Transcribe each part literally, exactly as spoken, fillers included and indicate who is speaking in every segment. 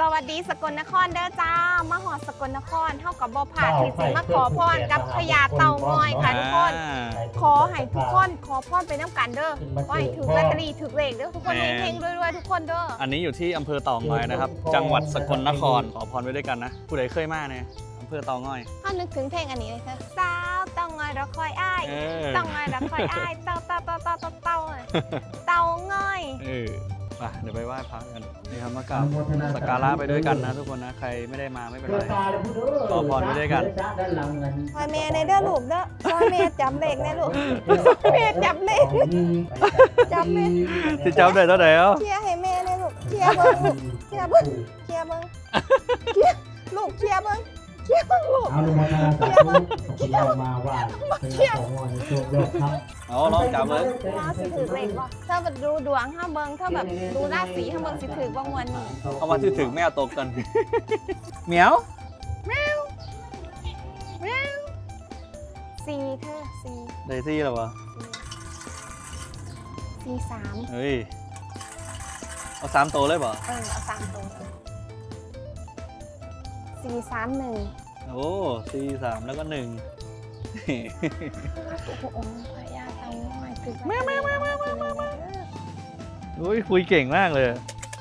Speaker 1: สวัสดีสกลนครเด้อจ้ามาหอดสกลนครเท่ากับบ่ผ่าที่สิมาขอพรกับพญาเต่างอยค่ะทุกคนขอให้ทุกคนขอพรไปน้ำกันเด้อขอให้ถือลอตเตอรี่ถือเลขเด้อทุกคนเฮงๆรวยๆทุกคนเด้อ
Speaker 2: อันนี้อยู่ที่อำเภอเต่างอยนะครับจังหวัดสกลนครขอพรไว้ด้วยกันนะผู้ใดเคยมาเนี่ยอำเภอเต่างอย
Speaker 1: ถ้านึกถึงเพลงอันนี้เลยค่ะสาวเต่างอยเราคอยอ้ายเต่างอยเราคอยอ้ายเต่าเต่าเต่าเต่าเต่าเต่าเต่างอย
Speaker 2: เออไปเดี๋ยวไปไหว้พระกันนี่ครับมากราบสักการะไปด้วยกันนะทุกคนนะใครไม่ได้มาไม่เป็นไรขอพรไปด้วยกัน
Speaker 1: คอยเมย์ในเด้อลูกเด้อคอยเมย์จำเลขแน่ลูกเมย์จำเลขจำเมย์
Speaker 2: ที่จำได้เท่าไหร่แล้ว
Speaker 1: เชียร์ให้เมย์เลยลูกเชียร์เบิ้งเชียร์เบิ้งเชียร์เบิ้งเชียร์ลูกเชียร์เบิ้งเชียร์เบิ้งลูก
Speaker 3: เอาลงมาทางสายลูกเรามาว่าเป็นของงอนในช่วงเลิกครับ
Speaker 2: อ๋อลองจับเลย
Speaker 1: ราศีถือเลขว่าถ้าแบบดูดวงถ้าเบิ้งถ้าแบบดูราศีถ้าเบิ้งสิถือบ้างวันนี้
Speaker 2: เอามาถือถึงแมวตกกันเหมียว
Speaker 1: แมวแมวสี่เธอสี่
Speaker 2: ได้สี่หรอวะ
Speaker 1: สี่สาม
Speaker 2: เฮ้ยเอาสามโตเลยป่ะ
Speaker 1: เออเอาสามโตสี่สามหนึ่ง
Speaker 2: โอ้สี่สามแล้วก็หนึ่ง
Speaker 1: โอ้โหพญาเต่างอยคือ
Speaker 2: แม่แม่แม่แม่แม่แม่โอ้ยคุยเก่งมากเลย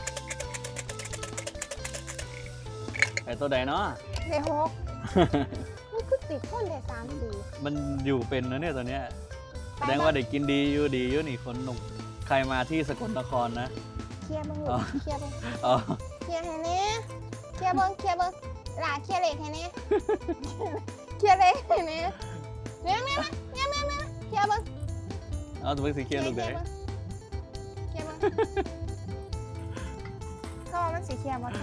Speaker 2: ไอตัวใดเนาะ
Speaker 1: เลขหกมันคือติดคนเลขสามสี่
Speaker 2: มันอยู่เป็นนะเนี่ยตัวเนี้ยแสดงว่าเด็กกินดีอยู่ดีอยู่นี่คนหนุ่มใครมาที่สกลนครนะ
Speaker 1: เคลียร์บ้างลูกเคลียร์บ้างเคลียร์ให้เน่เคลียร์บ้างเคลียร์บ้างหลาเคลียร์เลขให้เน่เคลียร์เลขให้เน่เนี่ยเนี่ยเนี่ยเนี่ยเนี่ยเคลียร์บ้าง
Speaker 2: เอาตัวเป็นสีเคลียร์ลูกเด้
Speaker 1: เคลียร์บ้างเขาบอกมันสีเคลียร์บ้าง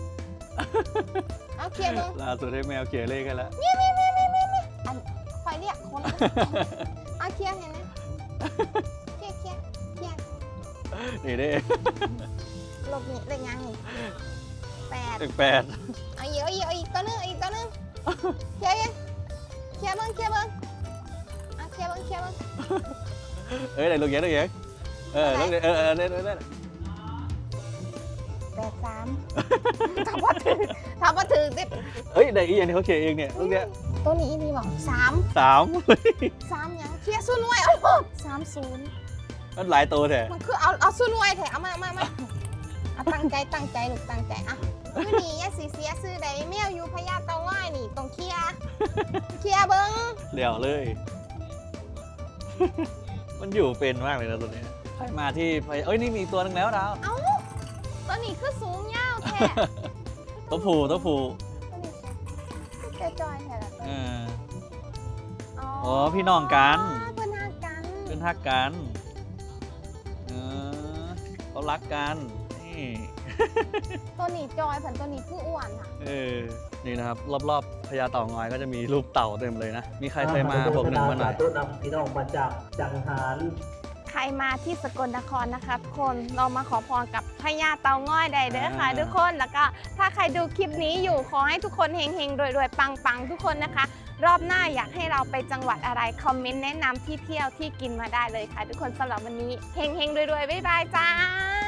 Speaker 1: เอาเคลียร์บ้าง
Speaker 2: ล่าสุดให้แมวเคลียร์เลขกันแล้ว
Speaker 1: เนี่ยเนี่ยเนี่ยเนี่ยเนี่ยอันคอยเรียกคนเอาเคลียร์ให้เน่เคลียร์เคลียร์เคลียร์
Speaker 2: นี่เด้
Speaker 1: ลบนี่เลขยังแปด
Speaker 2: แปด
Speaker 1: เอาอีกเอาอีกเอาอีกตัวนึงอีกตัวนึงเคลียร์ยังเคลียร์บ้างเคลียร์บ้างอ่ะเคลียร์บ้างเคลียร์บ้าง
Speaker 2: เอ้ยไหนลูกเย็นลูกเย็นเออเออเออเออเออเออ
Speaker 1: แปดสามทำมาถือทำมาถือติด
Speaker 2: เฮ้ยได้อีอย่างนี้เขาเขียนเองเนี่ยลูกเนี้ย
Speaker 1: ตัวนี้นี่บอกสาม
Speaker 2: สาม
Speaker 1: สามยังเคลียร์ศูนย์ไว้เอาสามศูนย์
Speaker 2: มันหลายตัวแท้
Speaker 1: มันคือเอาเอาศูนย์ไว้แท้เอามามามาเอาตั้งใจตั้งใจลูกตั้งใจอ่ะคือนี่ยาสีเสียซื้อได้แมวอยู่พญาเต่างอยนี่ต้องเคลียร์เคลียร์เบิ้ง
Speaker 2: เดี๋ยวเลยมันอยู่เป็นมากเลยนะตัวนี้ใครมาที่เอ้ยนี่มีตัวนึงแล้วดาว
Speaker 1: เอ้าตัวนี้คือสูงยาวแท้
Speaker 2: ตัวผูตัวผู
Speaker 1: ตัวจอยแท้ละ
Speaker 2: เอออ๋อพี่น้องกัน
Speaker 1: เพื่อนฮักกัน
Speaker 2: เพื่อนฮักกันเออเขารักกันนี่
Speaker 1: ตัวนี้จอยผันตัวนี้ผู้อ้วนค่ะ
Speaker 2: เออนี่นะครับรอบๆพญาเต่างอยก็จะมีรูปเต่าเต็มเลยนะมีใครเคยมาบอกหนึ่งมาหน่อย
Speaker 3: ต้นนำพี่น้องมาจากจังหาร
Speaker 1: ใครมาที่สกลนครนะคะทุกคนเรามาขอพรกับพญาเต่างอยได้เด้อค่ะทุกคนแล้วก็ถ้าใครดูคลิปนี้อยู่ขอให้ทุกคนเฮงๆรวยๆปังๆทุกคนนะคะรอบหน้าอยากให้เราไปจังหวัดอะไรคอมเมนต์แนะนำที่เที่ยวที่กินมาได้เลยค่ะทุกคนสำหรับวันนี้เฮงๆรวยๆบ๊ายบายจ้า